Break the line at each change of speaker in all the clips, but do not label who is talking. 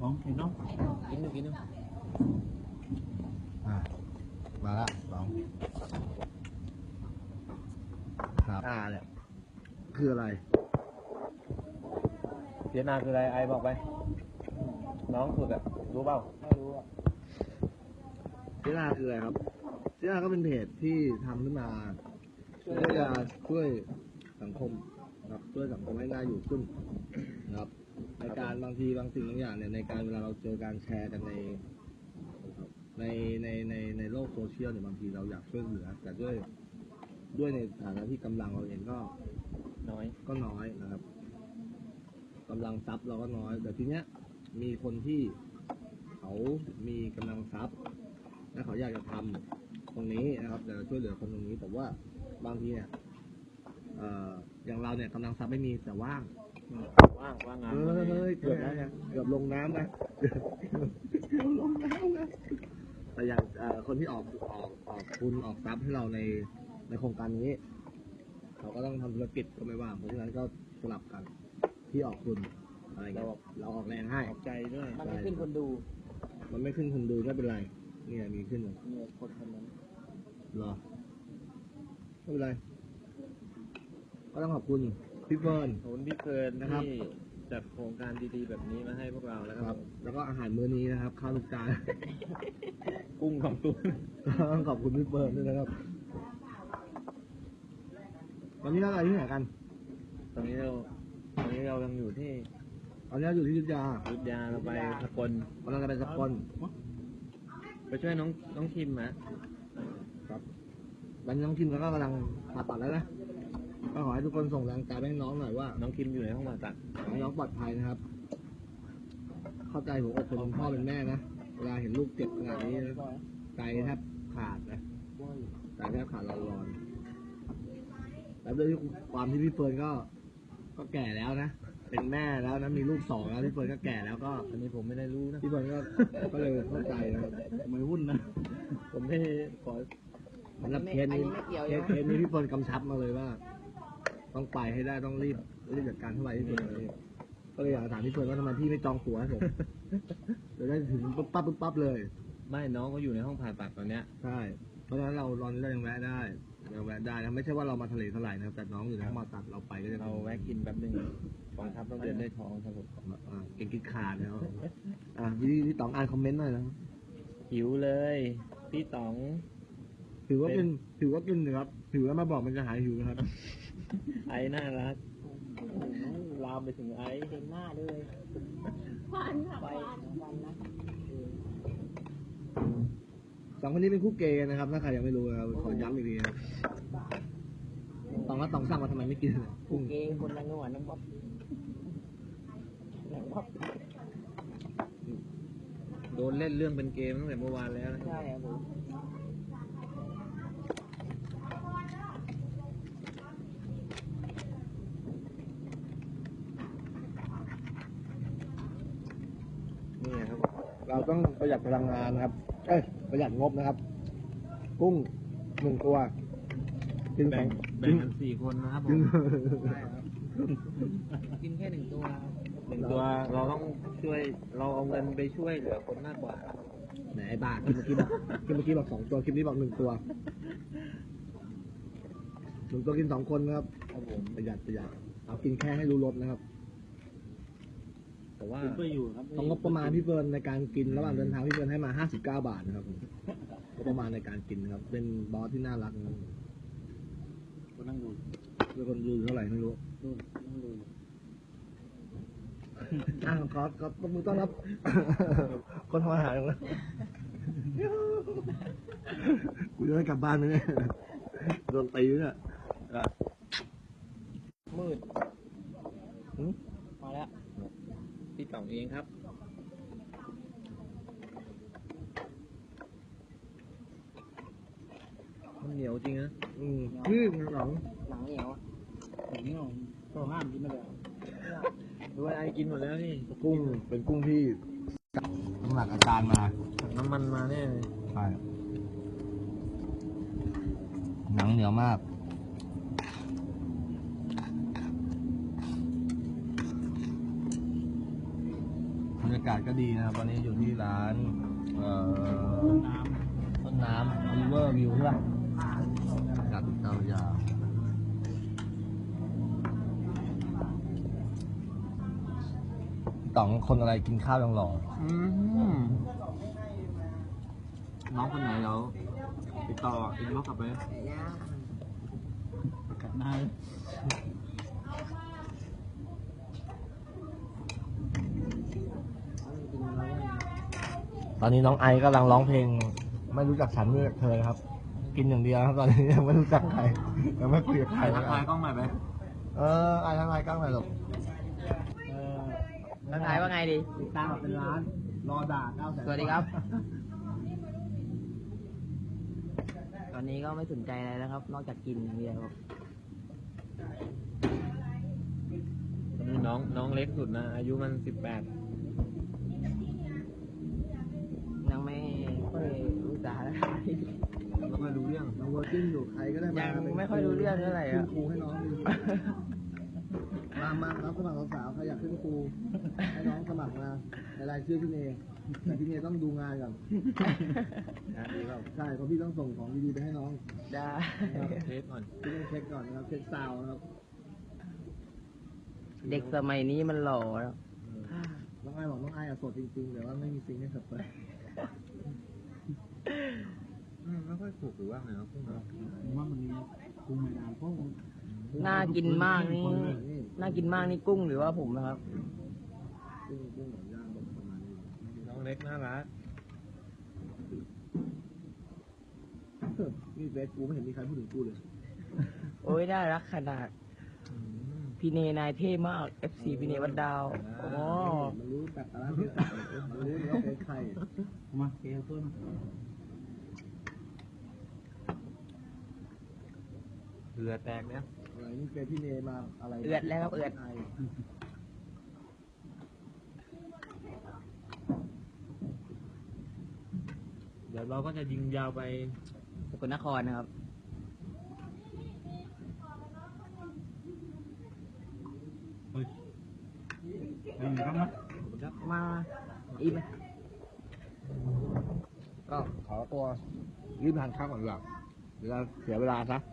ของกินน้องกินดู
มาละสองครับเนี่ยคืออะไร
เพียนาคืออะไรไอบอกไปน้องสุดอะรู้เปล่าไม่รู้อะ
เจน่าคืออะไรครับเจน่าก็เป็นเพจที่ทำขึ้นมาเพื่อจะช่วยสังคมครับช่วยสังคมให้น่าอยู่ขึ้นนะครับในการบางทีบางสิ่งบางอย่างเนี่ยในการเวลาเราเจอการแชร์กันในโลกโซเชียลเนี่ยบางทีเราอยากช่วยเหลือแต่ด้วยในฐานะที่กำลังเราเองก็น้อยนะครับกำลังทรัพย์เราก็น้อยแต่ทีเนี้ยมีคนที่เขามีกำลังทรัพย์และเขาอยากจะทำตรงนี้นะครับแต่ช่วยเหลือคนตรงนี้แต่ว่าบางทีเนี่ยอย่างเราเนี่ยกำลังทรัพย์ไม่มีแต่ว่างงานเกือบแล้วนะเกือบลงน้ำนะลงน้ำนะแต่อย่างคนที่ออกทุนออกทรัพย์ให้เราในโครงการนี้เขาก็ต้องทำธุรกิจก็ไม่ว่างเพราะฉะนั้นก็สลับกันที่ออกทุนอะไรเงี้ยเราออกแรงให้
ออกใจด้วย
มันไม่ขึ้นคนดู
ไม่เป็นไรเนี่ยมีขึ้นเลย
คนนั้น
เหรอไม่เป็นไรก็ต้องขอบคุณพี่เฟิร์น
นะครับที่จัดโครงการดีๆแบบนี้มาให้พวกเราแล้วครับ
แล้วก็อาหารมื้อนี้นะครับข้าวลูกจาน
กุ้งของตุ้
ต้องขอบคุณพี่เฟิร์นด้วยนะครับวันนี้เราอะไรที่ไหนกัน
ตอนนี้เรายังอยู่ที่
อยู่ที่อยุธยา
เราไปสกล
กำลังจะไปสกล
ไปช่วยน้องคิม
ครับวันนี้น้องคิมก็กำลังผ่าตัดแล้วนะก็ขอให้ทุกคนส่งแรงใจให้น้องหน่อยว่า
น้องคิมอยู่ในห้องผ่าตัด
ให้น้องปลอดภัยนะครับเข้าใจหัวอกคนพ่อเป็นแม่นะเวลาเห็นลูกเจ็บขนาดนี้ใจแทบขาดนะใจแทบขาดร้อนแล้วด้วยความที่พี่เฟิร์นก็แก่แล้วนะเป็นแม่แล้วนะมีลูก2แล้วพี่เฟิร์นก็แก่แล้วก็
อันนี้ผมไม่ได้รู้นะ
พี่เฟิร์นก็เลยเข้าใจนะครับ
ไม่วุ่นนะผมไม่ขอ
สำหรับเคสนี้พี่เฟิร์นกำชับมาเลยว่าต้องไปให้ได้ต้องรีบจัดการเท่าไหร่ที่สุดเลยก็เลยอยากถามพี่เฟิร์นว่าทำไมพี่ไม่จองตั๋วให้ผมจะได้ถึงปั๊บเลย
ไม่น้องก็อยู่ในห้องผ่าตัดตอนเนี้ย
ใช่เพราะฉะนั้นเรายังแวะได้นะไม่ใช่ว่าเรามาทะเลเท่าไหร่นะครับแต่น้องอยู่ในห้องผ่าตัดเราไปก็จะ
เราแวะกินแป๊บนึงกองทัพต้องเดินได้ท้องครับผม
เก่งกินขาดแล้วพี่ต๋องอ่านคอมเมนต์หน่อยนะ
หิวเลยพี่ต๋อง
ถือว่ากินนะครับถือว่ามาบอกมันจะหายหิวนะครับ
ไอ้น่ารักลามไปถึงไอ้
เต็มหน้าเลยวันนะ
สองคนนี้เป็นคู่เกย์นะครับถ้าใครยังไม่รู้นะครับขอย้ำอีกทีครับตองสั่งมาทำไมไม่กิน
คู่เกย์คนละหนวดน้องบ๊อบ
โดนเล่นเรื่องเป็นเกมตั้งแต่เมื่อวานแล้วนะ
ใช่ครับผม
นี่ครับเราต้องประหยัดพลังงานนะครับประหยัดงบนะครับกุ้ง1 ตัว
แบ่งกัน4 คนนะครับผม
กินแค่1 ตัว
เราต้องช่วยเราเอาเงินไปช่วยเหลือคนมากกว่า
ไหนบ้ากินเมื่อกี้บอก2 ตัวคลิปนี้บอก1 ตัว1 ตัวกิน2 คนนะครับประหยัดเอากินแค่ให้รู้รสนะครับ
แต่ว่า
ต้องงบประมาณพี่เฟิร์นในการกินระหว่างเดินทางพี่เฟิร์นให้มา59 บาทนะครับงบประมาณในการกินนะครับเป็นบอสที่น่ารักนะ
คนนั่งดู
เป็นคนดูเท่าไหร่ไม่รู้
นั่งดู
ขอตบมือต้อนรับคนทำอาหารนะกูจะได้กลับบ้านไหมเนี่ยโดนตีเนี่ย
มืดมาแล้ว
พี่ต๋องเองครับมันเหนียวจริงนะ
หนัง
เหนียวก็ห้ามกินไม่ได้
ด้วยไอ้กินหมดแล้วนี่
กุ้งเป็นกุ้งที่น้ำหนักอาจารย์มา
น้ำมันมาแน่เลย
ใช่หนังเหนียวมากบรรยากาศก็ดีนะครับวันนี้อยู่ที่ร้านต้นน้ำ River View ใช่ปะบรรยากาศติดตามยาวต่องคนอะไรกินข้าวยังหล่อ
น้องคนไหนเราติดต่ออินบ็อกซ์กลับไปกัดหน้า
ตอนนี้น้องไอกำลังร้องเพลงไม่รู้จักฉันไม่รู้จักเธอครับ กินอย่างเดียวครับตอนนี้ยังไม่รู้จักใครยังไม่คุยกับใคร
ทักทายกล้องใหม่ไหม
ไอทักทายกล้องหน่อยลูก
ทักทายว่าไงดี
ติดตามเป็นร้านรอด่า900,000
สวัสดีครับ ตอนนี้ก็ไม่สนใจอะไรแล้วครับ นอกจากกินอย่างเดียวครับ
น้องเล็กสุดนะ อายุมัน18
ยังไม่ค่อยรู้สาระ
แล้วไม่รู้เรื่อง
น้องเวอร์จิ้งอยู่ใครก็ได้มา
ยังไม่ค่อยรู้เรื่องเท่าไหร่
ขึ้
อะ
นครูให้น้องดิมารับสมัครสาวๆใครอยากขึ้นครูให้น้องสมัครมาในรายชื่อพี่เนยแต่พี่เนยต้องดูงานก่อน
ดีเปล่า
ใช่เพราะพี่ต้องส่งของดีๆไปให้น้อง
ได้
เทสก่อน
พี่ต้องเช็คก่อนนะครับเช็คซาวน์นะครับ
เด็กสมัยนี้มันหล่อแล้ว
น้องไอบอกน้องไออะโสดจริงๆแต่ว่าไม่มีซิงให้เธอไป
ไม่ค่อยถูกหรือว่าไงครับ
ว่ามันคุ้มไม่นานเพราะ
น่ากินมากนี่ น่ากินมากนี่กุ้งหรือว่าผมนะครับ
กุ้งหมูย่างประมาณนี้
น้องเล็กน่ารัก
นี่เฟซกูไม่เห็นมีใครพูดถึงกูเลย
โอ้ยน่ารักขนาด พี่เนนายเท่มาก FC พี่เนวัดดาวโอ้
มันรู้แบบอะไรเยอะมันรู้ว่าเป็นใครมาเกย์เพิ่ม
เรือแตกเนี่ย
อะไรนี่เป็นพี่เนมาอะไร
เอือดแล้วครับเอือด
เดี๋ยวเราก็จะยิงยาวไป
สกลนครนะครับ มาอีกไหม
ก็ขอตัวรีบทานข้าวก่อนดีกว่าเดี๋ยวเสียเวลาซะ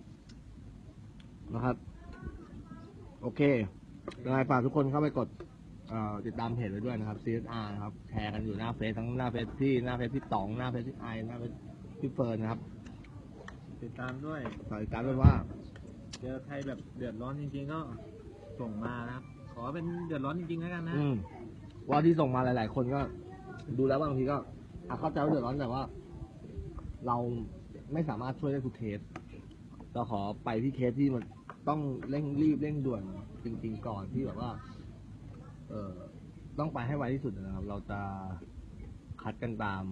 นะครับ โอเคยังไงฝากทุกคนเข้าไปกดติดตามเพจไว้ด้วยนะครับ CSR นะครับแชร์กันอยู่หน้าเฟซทั้งหน้าเฟซพี่หน้าเฟซพี่ต๋องหน้าเฟซพี่ไอหน้าเฟซพี่เฟิร์นนะครับ
ติดตามด้วย
ฝากติดตามด้วยว่า
เจอใครแบบเดือดร้อนจริงๆก็ส่งมานะครับ ขอเป็นเดือดร้อนจริงๆแล้วกันนะ
ว่าที่ส่งมาหลาย ๆ คนก็ ดูแล้วบางทีก็เข้าใจว่าเดือดร้อนแต่ว่า เราไม่สามารถช่วยได้ทุกเคสเราขอไปที่เคสที่มันต้องเร่งรีบเร่งด่วนจริง ๆ ก่อนที่แบบว่า ต้องไปให้ไวที่สุดนะครับ เราจะคัดกันตาม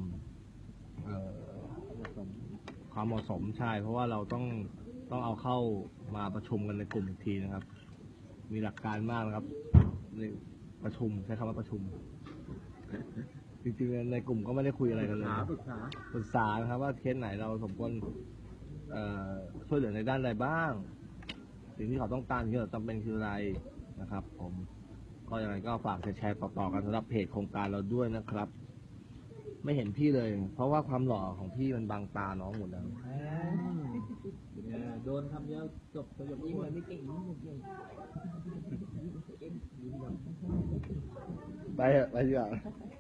ความเหมาะสมใช่ เพราะว่าเราต้องเอาเข้ามาประชุมกันในกลุ่มอีกทีนะครับ มีหลักการมากนะครับในประชุมใช้คำว่าประชุม จริงๆในกลุ่มก็ไม่ได้คุยอะไรกันเลยปรึกษานะครับ ว่าเคสไหนเราสมควรช่วยเหลือในด้านใดบ้าง สิ่งที่เขาต้องการที่เราจำเป็นคืออะไรนะครับ ผมก็ยังไงก็ฝากแชร์ต่อๆกันสำหรับเพจโครงการเราด้วยนะครับ ไม่เห็นพี่เลย เพราะว่าความหล่อของพี่มันบังตาน้องหมดแล้ว
โดนทำเยอะจบประโยค
นี่
นี้
เหมือนไม่เก่งนี่หมดเลย
ไปเถอะไปดีกว่า